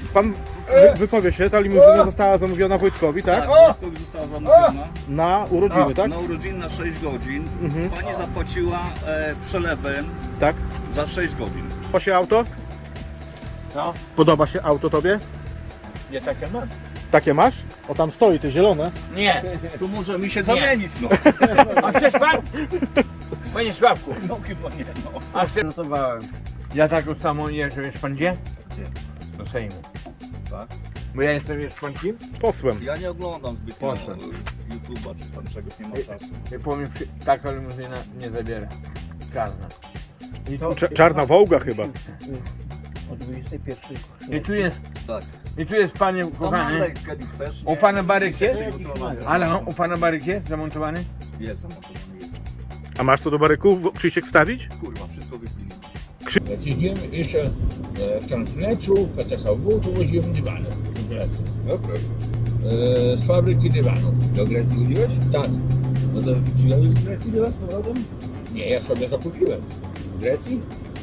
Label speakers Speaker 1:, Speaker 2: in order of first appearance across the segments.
Speaker 1: pan wypowie się, ta limuzyna została zamówiona Wojtkowi, tak?
Speaker 2: Wojtkowi została zamówiona
Speaker 1: Na urodziny, tak?
Speaker 2: na urodziny na 6 godzin. Pani zapłaciła przelewem
Speaker 1: Tak.
Speaker 2: za 6 godzin.
Speaker 1: Podoba się auto?
Speaker 3: No,
Speaker 1: Podoba się auto tobie?
Speaker 3: nie takie mam.
Speaker 1: Takie masz? O, tam stoi, te zielone.
Speaker 3: Nie.
Speaker 2: Tu może mi się zamienić, no.
Speaker 3: A chcesz pan? Panie Sławku,
Speaker 2: No chyba nie, no.
Speaker 3: a chcesz... Ja taką samą jeżdżę, wiesz pan gdzie?
Speaker 2: Gdzie?
Speaker 3: Do Sejmu.
Speaker 2: Tak?
Speaker 3: Bo ja jestem, wiesz pan kim?
Speaker 1: Posłem.
Speaker 2: Ja nie oglądam zbytnio
Speaker 3: Proszę.
Speaker 2: YouTube'a czy tam czegoś, nie ma czasu.
Speaker 3: I powiem, taka limuzyna nie zabiera. Czarna. I tu,
Speaker 1: Czarna Wołga chyba.
Speaker 4: O 21.
Speaker 3: i tu jest,
Speaker 2: Tak.
Speaker 3: i tu jest panie
Speaker 2: To
Speaker 3: kochany.
Speaker 2: nalej, kiedy chcesz.
Speaker 3: U pana baryk jest?
Speaker 2: Przygotowane.
Speaker 3: Ale u pana baryk jest zamontowany?
Speaker 2: Jest zamontowany.
Speaker 1: A masz co do baryków Krzysiek wstawić?
Speaker 2: Kurwa, wszystko wypili.
Speaker 5: Jak jedziemy jeszcze w Transleczu, PTHW, to woziłem dywany do Grecji.
Speaker 6: Dobra.
Speaker 5: Z fabryki dywanów.
Speaker 6: Do Grecji chodziłeś?
Speaker 5: Tak.
Speaker 6: No to przywiozłeś z Grecji do was z powrotem?
Speaker 5: Nie, ja sobie zakupiłem.
Speaker 6: W Grecji?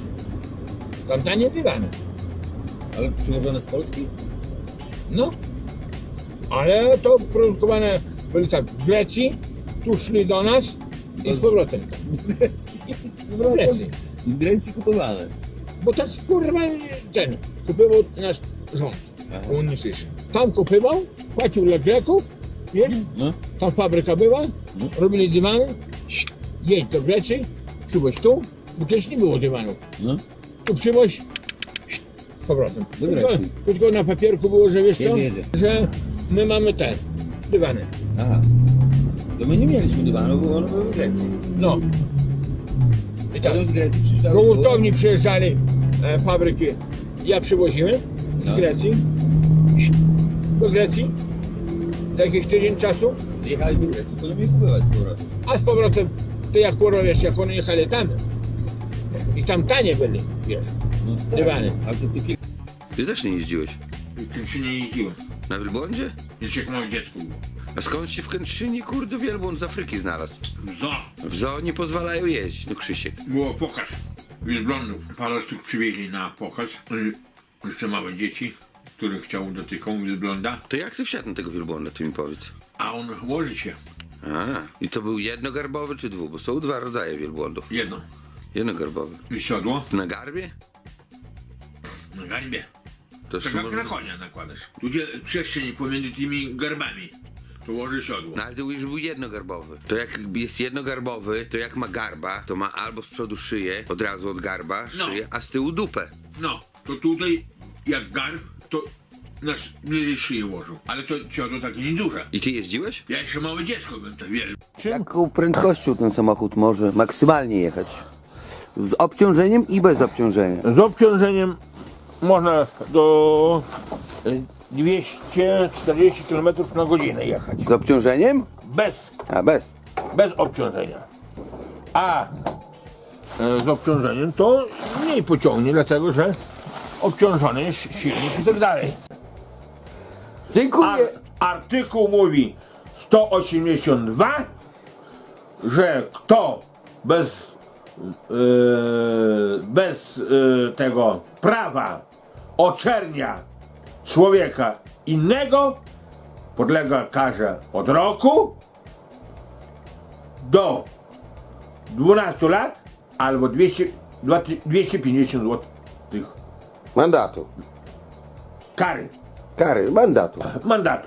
Speaker 5: Tam tanie dywany.
Speaker 6: Ale przywożone z Polski?
Speaker 5: No. Ale to produkowane byli tak w Grecji, tu szli do nas i z powrotem.
Speaker 6: Do Grecji.
Speaker 5: W Grecji.
Speaker 6: W Grecji kupowane.
Speaker 5: Bo tak kurwa ten kupował nasz rząd komunistyczny. Tam kupował, płacił dla Greków, wiesz?
Speaker 6: No.
Speaker 5: Tam fabryka była,
Speaker 6: No.
Speaker 5: robili dywany, jedź do Grecji, przywoź tu, bo też nie było dywanów.
Speaker 6: No.
Speaker 5: Tu przywoź z powrotem.
Speaker 6: Do Grecji.
Speaker 5: Tylko na papierku było, że wiesz co,
Speaker 6: Jedzie.
Speaker 5: że my mamy te dywany.
Speaker 6: Aha. To my nie mieliśmy dywanu, bo one były w Grecji.
Speaker 5: No. I tak,
Speaker 6: Potem z Grecji przyjeżdżały
Speaker 5: do
Speaker 6: tu.
Speaker 5: hurtowni przyjeżdżali fabryki. Ja przywoziłem z
Speaker 6: No.
Speaker 5: Grecji, do Grecji, za jakiś tydzień czasu,
Speaker 6: Jechali do Grecji, potem je kupować z powrotem.
Speaker 5: a z powrotem, to jak kurwa wiesz, jak one jechali tam, i tam tanie byli, wiesz.
Speaker 6: No tak.
Speaker 5: Dywany.
Speaker 6: A to ty
Speaker 7: Ty też nie jeździłeś?
Speaker 3: W Kętrzynie jeździłem.
Speaker 7: Na wielbłądzie?
Speaker 3: Jeszcze jak małe dziecko było.
Speaker 7: A skąd się w Kętrzynie, kurde, wielbłąd z Afryki znalazł?
Speaker 3: Zo!
Speaker 7: W zoo nie pozwalają jeździć, no Krzysiek.
Speaker 3: Było pokaz wielbłądów. Parę sztuk przywieźli na pokaz. Jeszcze małe dzieci, które chciały dotykać wielbłąda.
Speaker 7: To jak ty wsiadł na tego wielbłąda, ty mi powiedz?
Speaker 3: A on łoży się.
Speaker 7: A, i to był jednogarbowy czy dwu? Bo są dwa rodzaje wielbłądów.
Speaker 3: Jedno.
Speaker 7: Jednogarbowy.
Speaker 3: I siodło
Speaker 7: Na garbie?
Speaker 3: na garbie.
Speaker 7: To
Speaker 3: Tak
Speaker 7: jeszcze
Speaker 3: jak
Speaker 7: może...
Speaker 3: na konia nakładasz. Tu gdzie przestrzeń pomiędzy tymi garbami. To łoży siodło.
Speaker 7: No ale to już był jednogarbowy. To jak jest jednogarbowy, to jak ma garba, to ma albo z przodu szyję, od razu od garba,
Speaker 3: No.
Speaker 7: szyję, a z tyłu dupę.
Speaker 3: No, to tutaj jak garb, to nasz bliżej szyję łożył. Ale to siodło takie nieduże.
Speaker 7: I ty jeździłeś?
Speaker 3: Ja jeszcze małe dziecko byłem, to wiele.
Speaker 4: Jaką prędkością ten samochód może maksymalnie jechać? Z obciążeniem i bez obciążenia.
Speaker 5: Z obciążeniem można do 240 km na godzinę jechać.
Speaker 4: Z obciążeniem?
Speaker 5: Bez
Speaker 4: Bez.
Speaker 5: obciążenia. A z obciążeniem to mniej pociągnie, dlatego że obciążony jest silnik i tak dalej.
Speaker 4: Dziękuję.
Speaker 5: Artykuł mówi 182, że kto bez tego prawa oczernia człowieka innego, podlega karze od roku do 12 lat albo 250 zł
Speaker 4: Mandatu.
Speaker 5: kary,
Speaker 4: Kary, mandatu.
Speaker 5: mandatu.